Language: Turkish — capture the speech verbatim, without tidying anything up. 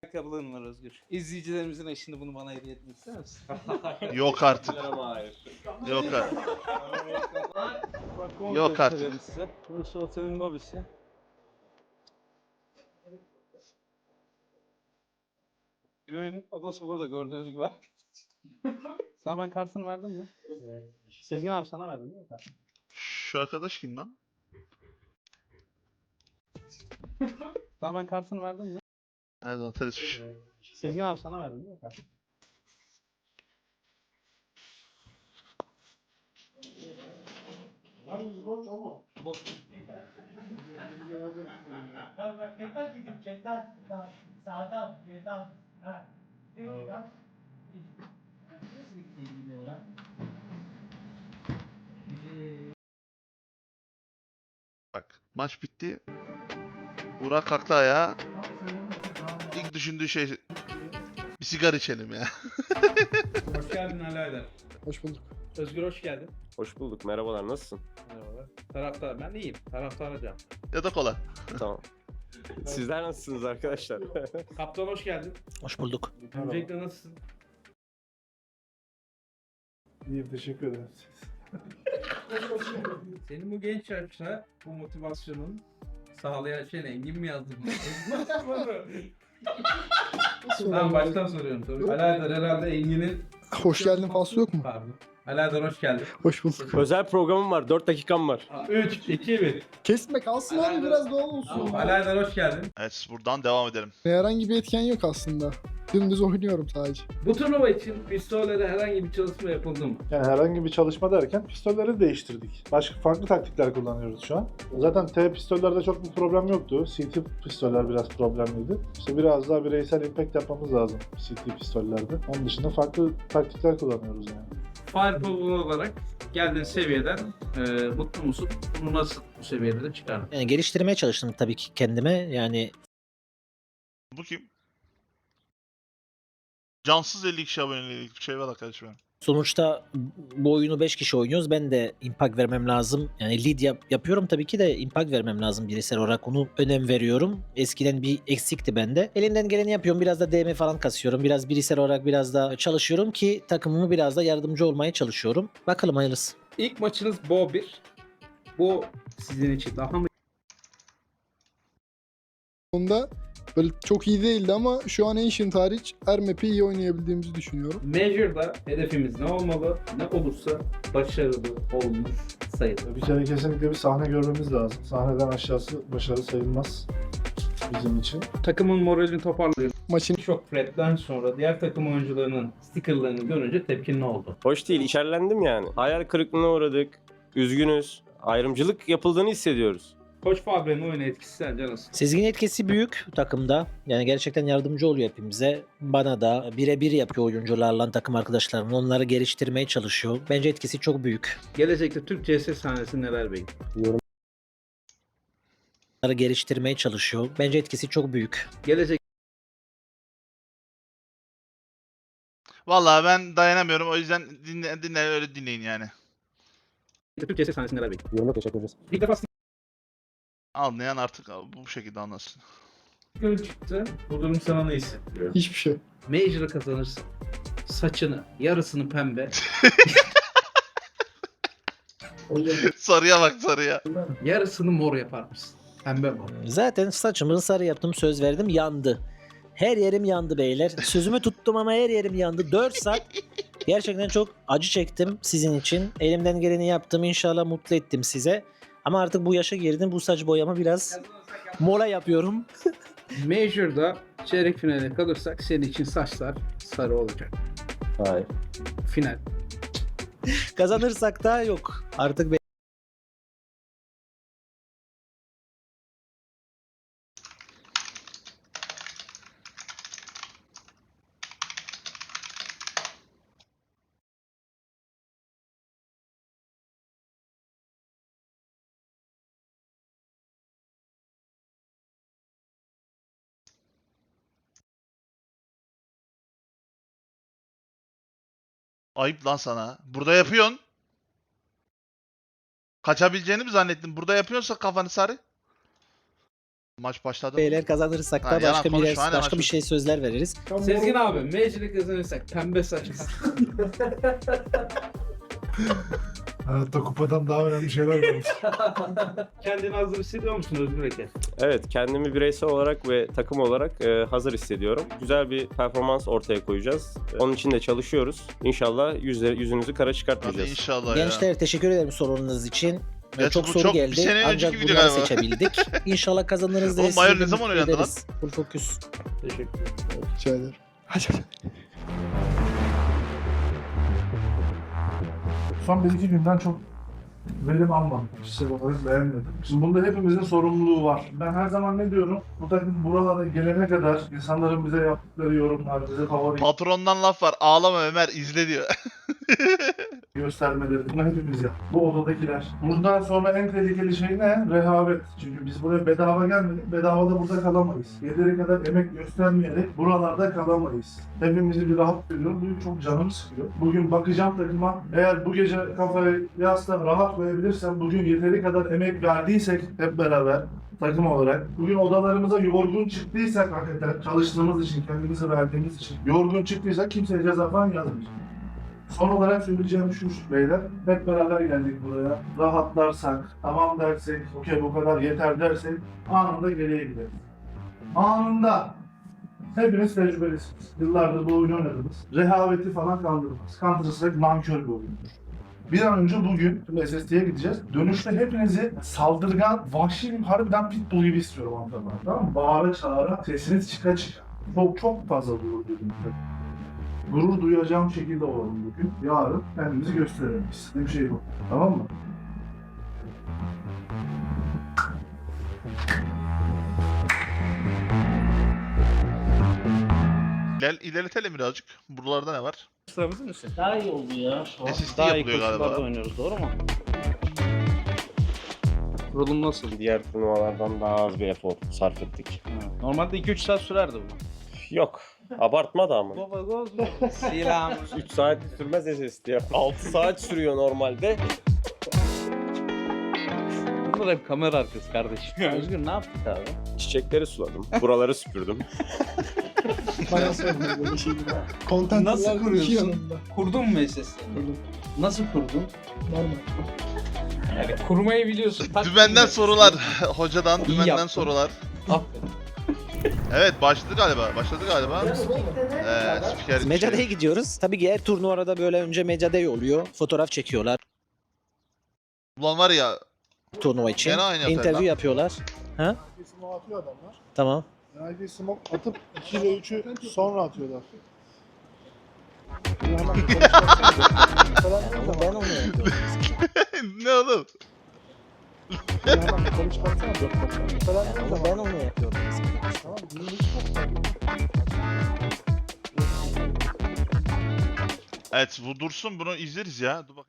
Ayakkabılarım var Özgür. İzleyicilerimizin eşini bunu bana hediye etmek ister misin? Yok artık. Ama hayır. Yok artık. Bak, onu Yok gösterelim artık. size. Burası otelin lobisi. Güven'in odası burada gördüğünüz gibi. Sana ben kartını verdim mi? Evet. Sezgin abi sana verdim değil mi? Şu arkadaş kim lan? Sana ben kartını verdim mi? Nerede otel ismiş? Sezgin abi sana verdim değil mi? Bak maç bitti. Burak kalktı ayağa. İlk düşündüğü şey bir sigara içelim ya. Hoş geldin Ali Aydar. Hoş bulduk. Özgür hoş geldin. Hoş bulduk. Merhabalar. Nasılsın? Merhabalar. Taraftar, ben iyiyim. Taraftar hocam. Ya da kola. Tamam. Sizler nasılsınız arkadaşlar? Kaptan hoş geldin. Hoş bulduk. Öncelikle nasılsın? İyiyim, teşekkür ederim. Senin bu genç yaşta bu motivasyonun sağlayan şey ne? Engin mi yazdı bunu? Ben baştan soruyorum tabii. Ali Aydar herhalde Engin'in... Hoş geldin faslı yok mu? Pardon. Ali Aydar hoş geldin. Hoş bulduk. Özel programım var. dört dakikam var. üç, iki, bir. Kesme kalsın abi, biraz doğal olsun. Tamam, Ali Aydar hoş geldin. Evet buradan devam edelim. Herhangi bir etken yok aslında. Dümdüz oynuyorum sadece. Bu turnuva için pistollere herhangi bir çalışma yapıldı mı? Yani herhangi bir çalışma derken pistolleri değiştirdik. Başka farklı taktikler kullanıyoruz şu an. Zaten T pistollerde çok bir problem yoktu. C T pistoller biraz problemliydi. İşte biraz daha bireysel impact yapmamız lazım C T pistollerde. Onun dışında farklı taktikler kullanıyoruz yani. Fireball olarak geldiğin seviyeden e, mutlu musun? Bunu nasıl bu seviyelere çıkardın? Yani geliştirmeye çalıştım tabii ki kendime. Yani Bu kim? Cansız elli kişi abonelik bir şey var arkadaşım. benim. sonuçta bu oyunu beş kişi oynuyoruz. Ben de impact vermem lazım. Yani lead yap- yapıyorum tabii ki de impact vermem lazım bireysel olarak. Onu önem veriyorum. Eskiden bir eksikti bende. Elimden geleni yapıyorum. Biraz da D M falan kasıyorum. Biraz bireysel olarak biraz da çalışıyorum ki takımımı biraz da yardımcı olmaya çalışıyorum. Bakalım hayırlısı. İlk maçınız Bo bir. Bu sizin için daha mı Onda böyle çok iyi değildi ama şu an Ancient hariç her map'i iyi oynayabildiğimizi düşünüyorum. Measure'da hedefimiz ne olmalı? Ne olursa başarılı olmuş sayılır. Bir kere kesinlikle bir sahne görmemiz lazım. Sahneden aşağısı başarı sayılmaz bizim için. Takımın moralini toparlıyor. Maçın Şok Fred'den sonra diğer takım oyuncularının stickerlarını görünce tepkin ne oldu? Hoş değil. İçerlendim yani. Hayal kırıklığına uğradık. Üzgünüz. Ayrımcılık yapıldığını hissediyoruz. Koç Fabre'nin oyuna etkisi sence nasıl? Sezgin etkisi büyük takımda. Yani gerçekten yardımcı oluyor hepimize. Bana da birebir yapıyor oyuncularla, takım arkadaşlarımla. Onları geliştirmeye çalışıyor. Bence etkisi çok büyük. Gelecekte Türk C S sahnesi neler bekliyor? Onları geliştirmeye çalışıyor. Bence etkisi çok büyük. Gelecekte Vallahi ben dayanamıyorum o yüzden dinle, dinle öyle dinleyin yani. Türk C S sahnesi neler bekliyor? Yorumla teşekkür ederiz. İlk defa Anlayan artık bu şekilde anlasın. sticker çıktı. Bu durum sana ne hissettiriyor? hiçbir şey. Major'ı kazanırsın. Saçını, yarısını pembe, Sarıya bak sarıya. yarısını mor yapar mısın? Pembe mor. Zaten saçımı sarı yaptım, söz verdim, yandı. Her yerim yandı beyler. Sözümü tuttum ama her yerim yandı. dört saat gerçekten çok acı çektim sizin için. Elimden geleni yaptım. İnşallah mutlu ettim size. Ama artık bu yaşa girdim. Bu saç boyama biraz mola yapıyorum. Major'da çeyrek finale kalırsak senin için saçlar sarı olacak. Hayır. Final. Kazanırsak da yok. Artık be- Ayıp lan sana. Burada yapıyorsun. Kaçabileceğini mi zannettin? Burada yapıyorsa kafanı sarı. Maç başladı mı? Beyler kazanırsak Ha, da yalan başka bir konuşma, aynen, başka bir maç- şey sözler veririz. Sezgin abi, Meclis'e kazanırsak pembe saç. Hayatta kupadan daha önemli şeyler var. Kendini hazır hissediyor musun Özgür Eke? Evet, kendimi bireysel olarak ve takım olarak e, hazır hissediyorum. Güzel bir performans ortaya koyacağız. E, Onun için de çalışıyoruz. İnşallah yüzleri, yüzünüzü kara Hadi çıkartmayacağız. inşallah ya. Gençler teşekkür ederim sorunuz için. Gerçi çok bu soru çok- bir geldi sene ancak önceki video bunları galiba. seçebildik. İnşallah kazanırız. Oğlum, ve Bayern sizi de ne zaman mutlu oynadı lan? ederiz. Full focus. Teşekkür ederim. Rica ederim. Son bir iki günden çok verim almadım. Kişisel olarak beğenmedim. Şimdi bunda hepimizin sorumluluğu var. Ben her zaman ne diyorum? Bu takım buralara gelene kadar insanların bize yaptıkları yorumlar, bize favori Patrondan laf var. Ağlama Ömer, izle diyor. göstermeleri bunu hepimiz yap. Bu odadakiler. Bundan sonra en tehlikeli şey ne? Rehavet. Çünkü biz buraya bedava gelmedik. Bedava da burada kalamayız. Yeteri kadar emek göstermeyerek buralarda kalamayız. Hepimizi bir rahat veriyor. Bu çok canımı sıkıyor. Bugün bakacağım takıma. Eğer bu gece kafayı yastığa rahat koyabilirsem, bugün yeteri kadar emek verdiysek hep beraber takım olarak, bugün odalarımıza yorgun çıktıysak hakikaten çalıştığımız için, kendimizi verdiğimiz için yorgun çıktıysak kimseye ceza falan yazmayacak. Son olarak söyleyeceğim şu şu beyler, hep beraber geldik buraya. Rahatlarsak, tamam dersek, okey bu kadar yeter dersek anında geriye gideriz. Anında. Hepiniz tecrübelisiniz. Yıllardır bu oyunu oynadınız. Rehaveti falan kaldırmaz. Counter Strike nankör bir oyundur. Bir an önce bugün şimdi S S T'ye gideceğiz. Dönüşte hepinizi saldırgan, vahşi bir harbiden pitbull gibi istiyorum antrenman. Tamam mı? Bağıra çağıra, sesiniz çıka çıka. Çok çok fazla gurur duydum. Gurur duyacağım şekilde olalım bugün. Yarın kendimizi gösterelim. İstediğim şey bu. Tamam mı? Gel ilerletelim birazcık. Buralarda ne var? Sıramızın üstü. Daha iyi oldu ya şu S S D Daha iyi yapılıyor koşullarda galiba. oynuyoruz, doğru mu? Kurulum nasıl? Diğer turnuvalardan daha az bir efor sarf ettik. Ha, Normalde iki üç saat sürerdi bu. Yok, abartma da ama. Baba goz Selam. üç saat sürmez S S D ya. altı saat sürüyor normalde. Bunlar hep kamera arkası kardeşim. Özgür ne yaptık abi? Çiçekleri suladım. Buraları süpürdüm. Bana sorma böyle şeyleri. Content Nasıl var, iki kuruyorsun? yanımda. Kurdun mu S S D'ni? Kurdum. Nasıl kurdun? Normal. Yani kurmayı biliyorsun. tak Dümenden kuruyorsun. sorular. Hocadan İyi dümenden yaptın. sorular. Aferin. Evet, başladı galiba. Başladı galiba. Ee, spiker Mecada'ya gidiyoruz. Tabii ki her turnuvada böyle önce Mecada'ya oluyor. Fotoğraf çekiyorlar Ulan var ya, turnuva için. Gene aynı yapar İnterview lan. yapıyorlar. Nike smoke atıyor adamlar. Tamam. Nike smoke atıp iki ve üçü sonra atıyorlar. Bir hemen konuşmasana. Falan değil Ama de ben bak. onu yapıyorum. ne oğlum? Bir hemen konuşmasana dört dakika. Falan değil de Ama bak. ben onu yapıyorum. Tamam, dinleyici çok Evet, bu dursun, bunu izleriz ya. Dur bak.